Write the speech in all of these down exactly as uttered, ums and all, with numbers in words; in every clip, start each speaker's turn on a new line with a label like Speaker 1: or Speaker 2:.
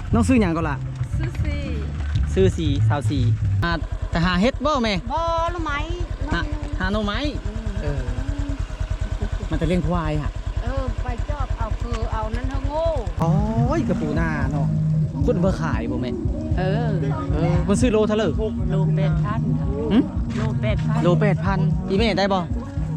Speaker 1: น้องซื้ออย่างก็ล่ะ
Speaker 2: ซื้อสี
Speaker 1: ซื้อสีสาวสีอ่าแต่หาเฮ็ดบ่แม่
Speaker 2: บ่รู้ไหม
Speaker 1: หาหาโนไม้เออมันจะเลี้ยงควายฮะ
Speaker 2: เออไปจอบเอาคือเอานั้นเฮาโง่
Speaker 1: โอ้ยกระปูหน้าเนาะคุณเบอร์ขายบ่แม่
Speaker 2: เออ
Speaker 1: เออมันซื้อโลเท่าไหร่
Speaker 2: โลแปดพันโลแปดพัน
Speaker 1: โลแปดพันอีแม่ได้บ่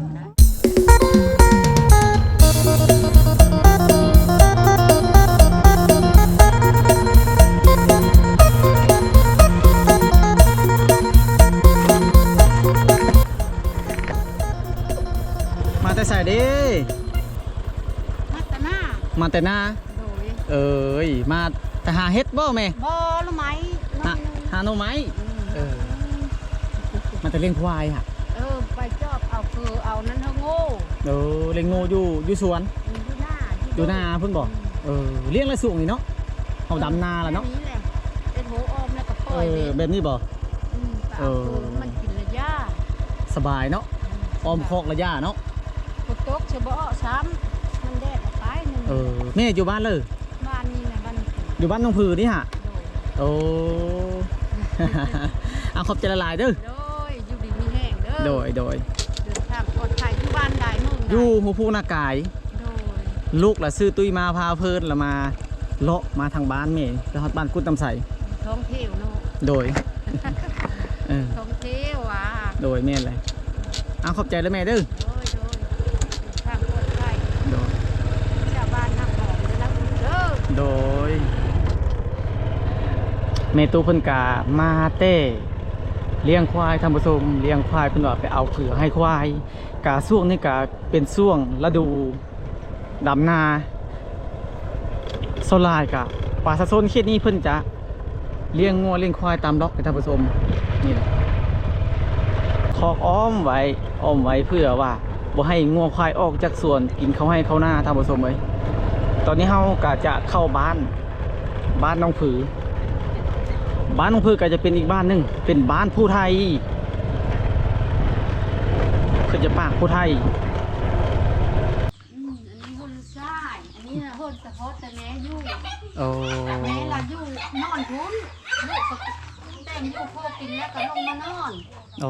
Speaker 1: มาแต่ใส่ดิ
Speaker 2: มาแต่หน้า
Speaker 1: มาแต่หน้าเอ้ยมาแต่หาเฮ็ดบ่แม่
Speaker 2: บ่รู้ไหม
Speaker 1: หาหาโนไม้เออมันจะเลี้ยงควายฮะ
Speaker 2: เออไปจอบเอาคือเอานั้นเฮาโง่
Speaker 1: เออเลี้ยงโง่อยู่อยู่สวน
Speaker 2: อยู่หน้า
Speaker 1: อยู่หน้าเพิ่นบอกเออเลี้ยงละสูงนี่เนาะเอาดำนาแล้วเนาะ
Speaker 2: นี่แหละเป็นหัวออมแล้วก็ปล่อย
Speaker 1: เออแบบนี้บ่
Speaker 2: เออมันกินระยะ
Speaker 1: สบายเนาะออมคอกระยะเนาะ
Speaker 2: ฝนตกเฉบ่ซ้ำมันแดดไปนึง
Speaker 1: เออแม่อยู่บ้านเลย
Speaker 2: บ้านนี่แหละบ้าน
Speaker 1: อยู่บ้านน้องผือนี่ฮะโอ้เอาขอบใจละลายเด้อ
Speaker 2: โดยอยู่ดีมีแห้งเด้อ
Speaker 1: โดยโดย
Speaker 2: เดินทางปลอดภัยอยู่บ้านใดมึง
Speaker 1: อยู่หัวผู้นากาย
Speaker 2: โดย
Speaker 1: ลูกละซื้อตุ้ยมาพาเพิ่นละมาเลาะมาทางบ้านแม่ไปฮอดบ้านกุดตำใส
Speaker 2: ท้องเที่ยวเนาะ
Speaker 1: โดยเออ
Speaker 2: ท้องเที่ยวอ่ะ
Speaker 1: โดยแม่เลยเอาขอบใจแล้วแม่เด้อ
Speaker 2: โดยโดยทางปลอดภัย
Speaker 1: โดย
Speaker 2: ชาวบ้านนักหอมได้รับเด้อ
Speaker 1: โดยเมตูเพิ่นกามาเต้เลี้ยงควายทำผสมเลี้ยงควายเพิ่นว่าไปเอาเผือกให้ควายกาช่วงนี้กาเป็นช่วงฤดูดำนาโซลายกะป่าสะโซนเขตนี้เพิ่นจะเลี้ยงงัวเลี้ยงควายตามล็อกไปทำผสมนี่แหละคอกอ้อมไว้อ้อมไว้เพื่อว่าบ่ให้งัวควายออกจากสวนกินเขาให้เขาหน้าทำผสมไว้ตอนนี้เฮากะจะเข้าบ้านบ้านน้องผือบ้านน้องผือก็จะเป็นอีกบ้านหนึ่งเป็นบ้านผู้ไทยคือจะปากผู้ไทย
Speaker 2: อืมอันนี้หุ่นทรายอันนี้หุ่นสะโพกแต่แม่อยู่
Speaker 1: โอ้
Speaker 2: แม่ละอยู่นอนทุนลูกก็แต่งอยู่พอกินแล้วก็ลงมานอน
Speaker 1: โอ้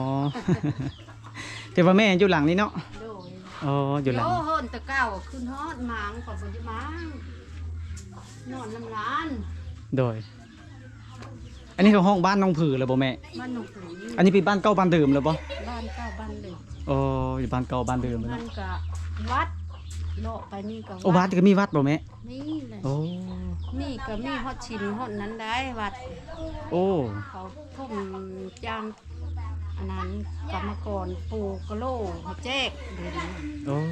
Speaker 1: แต่ว่าแม่อยู่หลังนี้เนาะ
Speaker 2: โดย
Speaker 1: โอ้อยู่หลัง
Speaker 2: โอ้หุ่นตะเก้าขึ้นฮอดหมางก่อนบ่จะหมางนอนน้ำร้าน
Speaker 1: โดยอันนี้คือห้องบ้านน้องผือเลยบ่แม่
Speaker 2: บ้านน้องผือ
Speaker 1: อันนี้เป็นบ้านเก่าบ้านเดิมเลยบ่
Speaker 2: บ้านเก่าบ้านเดิม
Speaker 1: โอ้อยู่บ้านเก่าบ้านเดิมเลย
Speaker 2: มันก็วัดเลาะไปนี่ก็
Speaker 1: โอ้วัดก็มีวัดบ่แม่
Speaker 2: นี่เลย
Speaker 1: โอ้
Speaker 2: นี่ก็มีฮอดชินฮอดนั้นได้วัด
Speaker 1: โอ้
Speaker 2: เขาทุ่มจ้างอันนั้นกรรมกรปูกะโลหัวแจ๊กเดี๋ยวนี้
Speaker 1: โอ้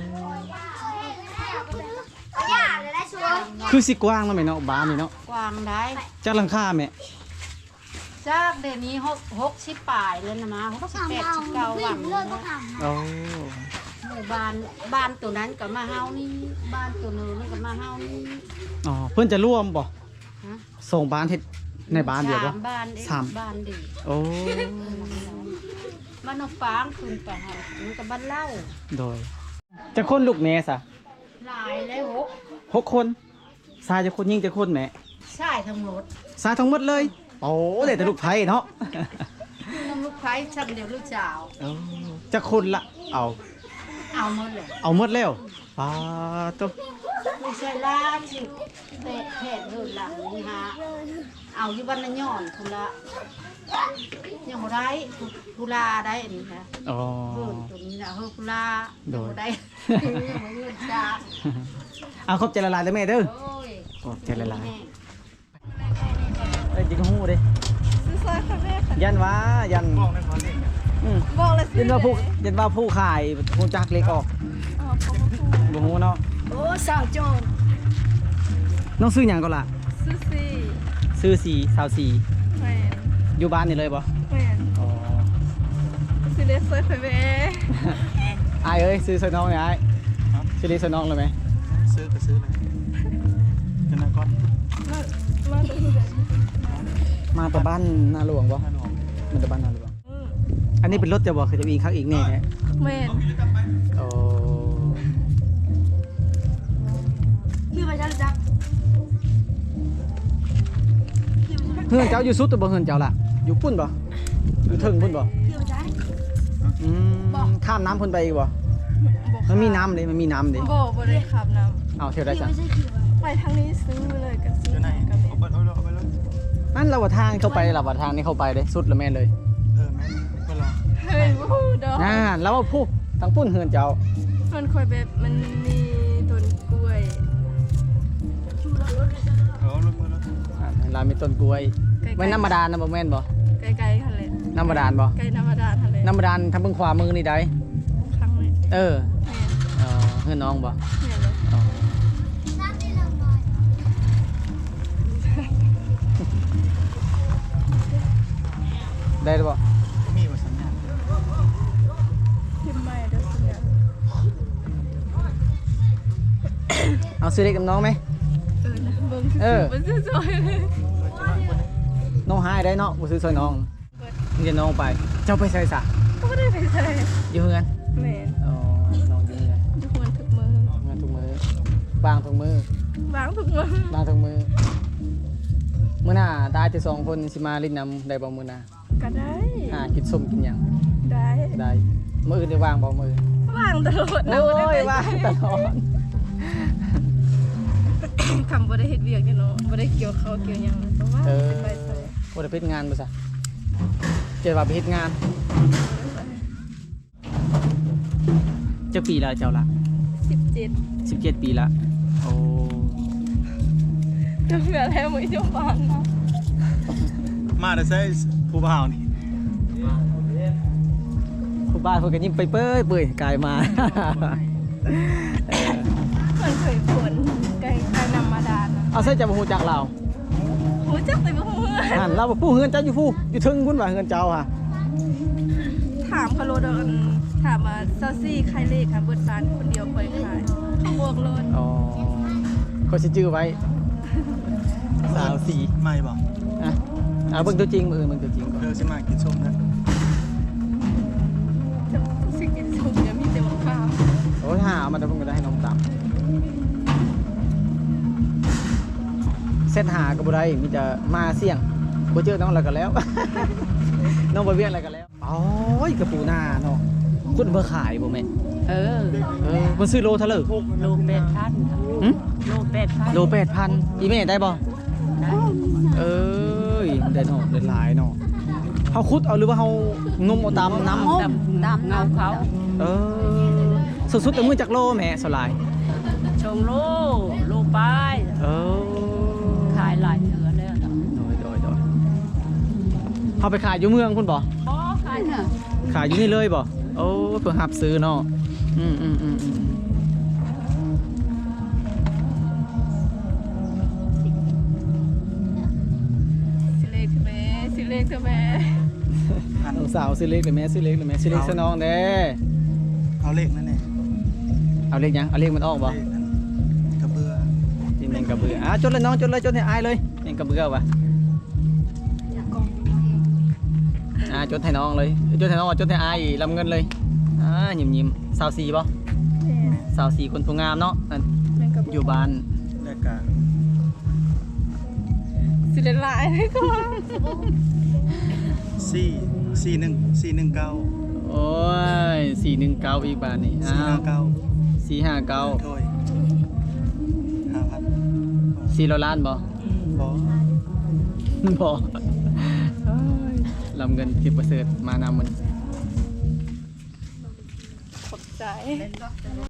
Speaker 1: คือสิกว้างแล้วแม่เนาะบ้านนี่เนาะ
Speaker 2: กว้างได้
Speaker 1: จักหลังคาแม่
Speaker 2: จากเดี๋ยวนี้หกหกสิบปลายเลยนะมาหกสิบแปดสิบเก้าหวัง
Speaker 1: โอ้
Speaker 2: หมู่บ้านบ้านตัวนั้นกับมาเฮานี่บ้านตัวนึงกับมาเฮานี่
Speaker 1: อ๋อเพื่อนจะร่วมบ่ส่งบ้านเฮ็ดในบ้านเดียวบ่
Speaker 2: บ้านสามบ้านเดียว
Speaker 1: โอ้
Speaker 2: บ้านนกฟางคืนไปหามันกับบ้านเล่า
Speaker 1: โดยจะคนลูกแม่ซะ
Speaker 2: หลายแล้วหก
Speaker 1: หกคนชายจะคนยิ่งจะคนแม่
Speaker 2: ชายทั้งหมด
Speaker 1: ชายทั้งหมดเลยโอ้เด็กแต่ลูกไผ่เนาะ
Speaker 2: น้องลูกไผ่ชั้นเดียวลูกสาว
Speaker 1: จะคนละเอา
Speaker 2: เอาหมดเลย
Speaker 1: เอาหมดแล้วป้าตุ๊ก
Speaker 2: ไม่ใช่ล่าสิเตะแผดเดินหลังนี่ฮะเอาอยู่บ้านละย่อนทุละยังบ่ได้ทุลาได้อันนี้นะ
Speaker 1: อ๋อ
Speaker 2: เพิ่นตัวนี้นะเฮอทุลาโดยได้เงินจ้า
Speaker 1: เอาครบใจละลายเลยแม่เด้อครบใจละลายเอ้ยจิงหูดิ
Speaker 2: ซื้อซอยค่ะแม่
Speaker 1: ยันว่ายันบอกเลย
Speaker 2: บอกเลย
Speaker 1: ยันว่าผู้ยันว่าผู้ขายผู้จักเล็กออกบ่ฮู้เนาะ
Speaker 2: โอ้สาวโจร
Speaker 1: น้องซื้อหยังก็ล่ะ
Speaker 2: ซื้อสี
Speaker 1: ซื้อสีสาวสี
Speaker 2: แม่
Speaker 1: อยู่บ้านนี่เลยบ่
Speaker 2: แม่อ๋อซื้อเลสเซอร์ไฟเว่
Speaker 1: ไอ้เอ้ยซื้อใส่น้องนี่ไอ้ซื้อเลสใส่น้องเลยไหม
Speaker 3: ซื้อก็ซื้อเลยจะนั่งก่อน
Speaker 1: มาแต่บ้านนาหลวงบ่มันแต่บ้านนาหลวงอันนี้เป็นรถจะบอกคือจะมีข้างอีกแน่แท้
Speaker 2: แม่
Speaker 1: โอ้
Speaker 2: คือไปจักจัก
Speaker 1: เฮือนเจ้าอยู่สุดตัวบ่เฮือนเจ้าล่ะอยู่ปุ่นบ่อยู่เทิงปุ่นบ่
Speaker 2: เที่ยวได้
Speaker 1: อืมข้ามน้ำพุ่นไปอีกบ่มันมีน้ำเลยมันมีน้ำเลย
Speaker 4: บ่บ่ได้ขับน้
Speaker 1: เอาเที่ยวได้จ้ะ
Speaker 4: ำไปทางนี้ซื้อเลยก็ซื้อ
Speaker 3: เดี๋ยวไหน
Speaker 4: กับ
Speaker 3: เอาไปเอาเอาไปเลย
Speaker 1: นั่นเราว่าทางเข้าไปเราว่าทางนี้เข้าไปเลยสุดแล้วแม่นเลย
Speaker 3: เออแม่ไปรอ
Speaker 4: เฮ้ยบ่ฮู้ดอก
Speaker 1: น่าแล้วว่าผู้ทางปุ่นเฮือนเจ้า
Speaker 4: มันคอยแบบมันมีต้นกล้วย
Speaker 3: เอารถมาแล้ว
Speaker 1: อ่าเรามีต้นกล้วย
Speaker 4: ใกล้ๆ
Speaker 1: ไม่น้ำบาดาลนะบ่แม่นบ่
Speaker 4: ใกล้ๆคั่นแหละ
Speaker 1: น้ำบาดาลบ่
Speaker 4: ใกล้น้ำบาดาลหั่นแหละ
Speaker 1: น้ำบาดาลทางเบิ่งขวามือนี่ได้
Speaker 4: ครั้งนี้
Speaker 1: เออ
Speaker 4: แม่น
Speaker 1: เออเฮือนน้องบ่
Speaker 4: แม่นเลย
Speaker 1: อ๋อได้หรือบ่
Speaker 3: มีว่าสัญญาณ
Speaker 4: พิมพ์ใหม่เด้อสิเนี่ย
Speaker 1: เอาซื้อเล็กกับน้องไหม
Speaker 4: เออนะเบิ่ง
Speaker 1: เออ
Speaker 4: มันสวยๆเลย
Speaker 1: น้องหายได้เนาะบ่ซื้อซอยน้องนี่จะน้องไป เจ้าไปใส่ซะ
Speaker 4: ก็บ่ได้ไปใส่
Speaker 1: อยู่เฮือน
Speaker 4: แม่น
Speaker 1: อ๋อน้องอยู่เฮือน
Speaker 4: ทุกคนทุกมือ
Speaker 1: ทำงานทุกมื้อ บางทุกมื้อ
Speaker 4: วางทุกมือบ
Speaker 1: างทุกมื้อมื้อหน้าตายแต่สองคนสิมาลิ้นน้ำได้บ่มื้อหน้า
Speaker 4: ก็ได้
Speaker 1: หากินส้มกินหยัง
Speaker 4: ได้
Speaker 1: ได้มื้ออื่นได้วางบ่มื้อ
Speaker 4: วางตลอดนะ
Speaker 1: โอ้
Speaker 4: บ่ได้
Speaker 1: ย
Speaker 4: ไป
Speaker 1: ว่างตลอด
Speaker 4: คำบ่ได้เฮ็ดเวียกอยู่เนาะบ่ได้เกี่ยวข้าวเกี่ยวหยังนะแต่ว่า
Speaker 1: เออ
Speaker 4: ไปใส่
Speaker 1: บ่ได้ไปเฮ็ดงานบ่ซะเจ็ดว่าไปเฮ็ดงานจักปีแล้วเจ้าละ
Speaker 4: สิบเจ็ด
Speaker 1: สิบเจ็ดปีละโอ้
Speaker 4: จะเหลือแล้วมื้อจะฟังเนาะ
Speaker 3: มาแต่ใช้ผู้บ่าวนี่
Speaker 1: ผู้บ้านเพิ่นก็ยิ้มไปเป้ยเปื่อยกายมา เออ
Speaker 4: มันเคยฝนไกลไกลนำมาดานนะ
Speaker 1: เอาใส่จะบ่ฮู้จักเรา
Speaker 4: หูจักแต่บ่ฮู้เฮือน
Speaker 1: นั่นเราบ่ผู้เฮือนเจ้าอยู่ผู้อยู่ถึงพุ่นว่าเฮือนเจ้าค่ะ
Speaker 4: ถามเขาโลดอนถามว่าซาซี่ใครเลขค่ะเบิดบานคนเดียวค่อยขายเขาบวกโลด
Speaker 1: อ๋อเขาสิจื้อไว้สาวสี
Speaker 3: ไม่บอก
Speaker 1: อ่ะเอาเบิ่งตัวจริงมือเบิ่งตัวจริงก่อน
Speaker 3: เดี๋ยวสิมากินส้มนะ
Speaker 4: จะสิกินสุกเนี่ยมีแต่มะพร้าว
Speaker 1: โอ้ยหาเอามาแต่เพิ่นก็ได้ให้น้องตามเส้นหาก็บ่ได้มีแต่มาเสี่ยงบ่เจอน้องแล้วก็แล้ว น้องบ่เวียนอะไรกันแล้วโอ้ยกระปูนาเนาะคุณเบอร์ขายบ่แม่
Speaker 5: เออ
Speaker 1: เออมันซื้อโลเท่าไหร่
Speaker 5: โลเป็ดพัน
Speaker 1: หึ
Speaker 5: โลเป็ดพัน
Speaker 1: โลแปดพันอีแม่ได้บ่
Speaker 5: ได้
Speaker 1: เอ้ยได้เนาะได้หลายเนาะเฮาขุดเอาหรือว่าเฮานมเอาตามน้ำ
Speaker 5: ดำดำเงาเขา
Speaker 1: เออสุดๆแต่มือจากโลแม่สลาย
Speaker 5: ชงโลโลปลาย
Speaker 1: เออ
Speaker 5: ขายหลายเถือแล้วเนาะ
Speaker 1: โดยโดยโดยเฮาไปขายอยู่เมืองพุ่นบ่
Speaker 5: อ๋อขายเถอะ
Speaker 1: ขายอยู่นี่เลยบ่โอ้เพิ่นรับซื้อเนาะอืมอืมอืมอืม
Speaker 4: สิเลขเถอะแม่สิเลขเถอะแม่
Speaker 1: น้องสาวซื้อเล็กเลยแม่ซื้อเล็กเลยแม่ซื้อเล็กซะน้องเด้
Speaker 3: เอาเลขนั่นเอง
Speaker 1: เอาเล็กยังเอาเล็กมันออกบ่
Speaker 3: เลขนั้นกระเบือ
Speaker 1: นี่แมงกระเบืออ่ะจดเลยน้องจดเลยจดให้อายเลยแมงกระเบือว่ะอ่าจดให้น้องเลยจดให้น้องจดให้อายลำเงินเลยอ่ายิ้มยิ้มสาวสีบ่
Speaker 4: แม่
Speaker 1: สาวสีคนผู้งามเนาะอัน
Speaker 4: แม่งกับ
Speaker 1: อยู่บ้าน
Speaker 3: และกา
Speaker 4: สิเลขหลายเลยก็ว่า
Speaker 3: สี่สี่หนึ่งสี่หนึ่งเก้า
Speaker 1: โอ้ยสี่หนึ่งเก้าอีกบ้านนี่
Speaker 3: สี่ห้าเก้า
Speaker 1: สี่ห้าเก้า
Speaker 3: โดยห้าพัน
Speaker 1: สี่ร้อยล้านบ่
Speaker 3: บอ
Speaker 1: บ่เอ้ยลำเงินทิพย์ประเสริฐมานำมัน
Speaker 4: ขอบใจ